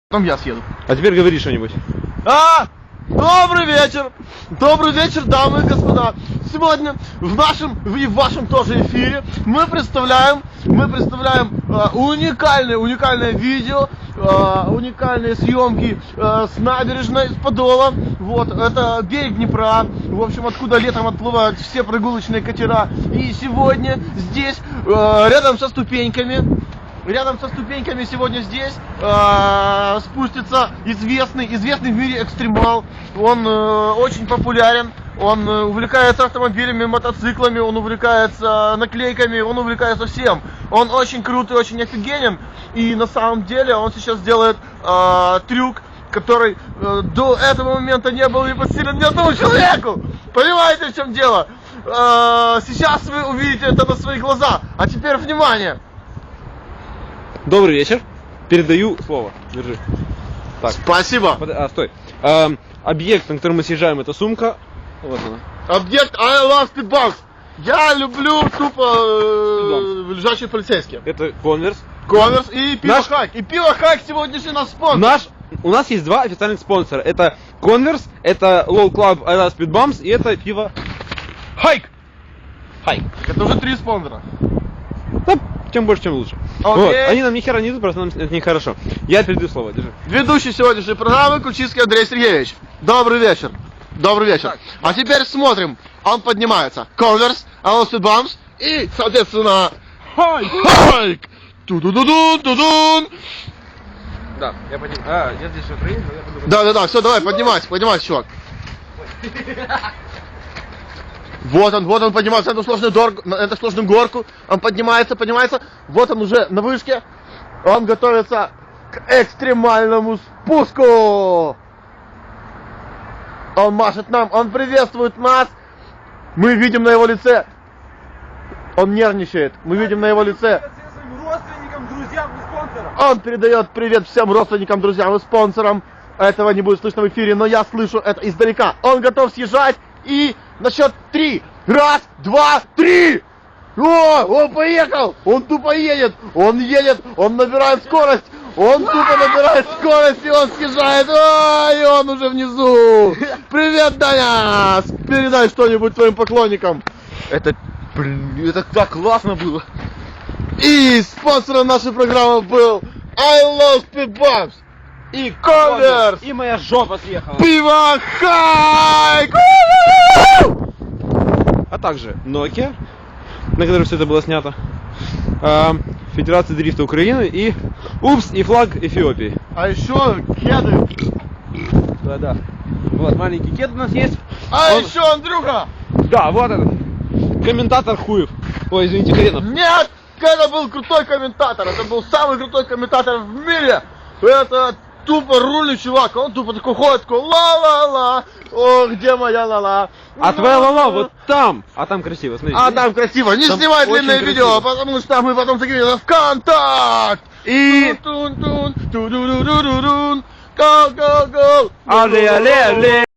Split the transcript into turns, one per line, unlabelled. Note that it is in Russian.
Потом я съеду.
А теперь говори что-нибудь.
Добрый вечер, дамы и господа. Сегодня в нашем и в вашем тоже эфире мы представляем уникальное видео, уникальные съемки с набережной, с Подола. Вот, это берег Днепра, в общем, откуда летом отплывают все прогулочные катера. И сегодня здесь, рядом со ступеньками сегодня здесь спустится известный в мире экстремал. Он очень популярен, он увлекается автомобилями, мотоциклами, он увлекается наклейками, он увлекается всем. Он очень крут и очень офигенен. И на самом деле он сейчас делает трюк, который до этого момента не был и под силен ни одному человеку. Понимаете, в чем дело? Сейчас вы увидите это на свои глаза. А теперь внимание!
Добрый вечер. Передаю слово. Держи. Так.
Спасибо.
Стой. Объект, на который мы съезжаем, это сумка. Вот она.
Объект I love speedbox. Я люблю тупо лежачие полицейские.
Это Converse.
Converse и пиво Хайк. И пиво Хайк сегодняшний наш спонсор.
У нас есть два официальных спонсора. Это Converse, это Low Club I love Speed Bumps и это пиво Хайк.
Это уже 3 спонсора.
Да, чем больше, тем лучше. Вот. Они нам ни хера не идут, просто нам это нехорошо. Я передаю слово, держи.
Ведущий сегодняшней программы Кульчицкий Андрей Сергеевич. Добрый вечер. Так. А теперь смотрим. Он поднимается. Converse, I love Speed Bumps и, соответственно, Хайк. Ту-ду-ду-дун.
Да, я поднимаю. Я здесь в Украине, но я буду...
Да, все, давай, поднимайся, чувак. Вот он поднимается на эту сложную горку. Он поднимается. Вот он уже на вышке. Он готовится к экстремальному спуску. Он машет нам, он приветствует нас. Мы видим на его лице. Он нервничает. Мы видим на его лице.
Родственникам, друзьям и спонсорам.
Он передает привет всем родственникам, друзьям и спонсорам. Этого не будет слышно в эфире, но я слышу это издалека. Он готов съезжать. И на счет 3. 1, 2, 3. О, он поехал. Он тупо едет. Он набирает скорость. И он съезжает. И он уже внизу. Привет, Даня. Передай что-нибудь твоим поклонникам. Это так классно было. И спонсором нашей программы был I love Speed Bumps. И Converse.
И моя жопа съехала.
Пиво Хайк.
А также Nokia, на которой все это было снято, Федерация дрифта Украины и упс, и флаг Эфиопии.
А еще кеды.
Да. Вот маленький кед у нас есть.
Еще Андрюха.
Да, вот этот. Комментатор Хуев. Ой, извините, Хренов.
Нет, это был крутой комментатор. Это был самый крутой комментатор в мире. Это тупо рулит чувак. Он тупо такой ходит, такой ла-ла-ла. О, где моя ла-ла?
А твоя ла-ла вот там. А там красиво, смотри.
А там красиво. Не снимай длинное видео, потому что мы потом закинем на ВКонтакт. И... Go, go, go.
Але.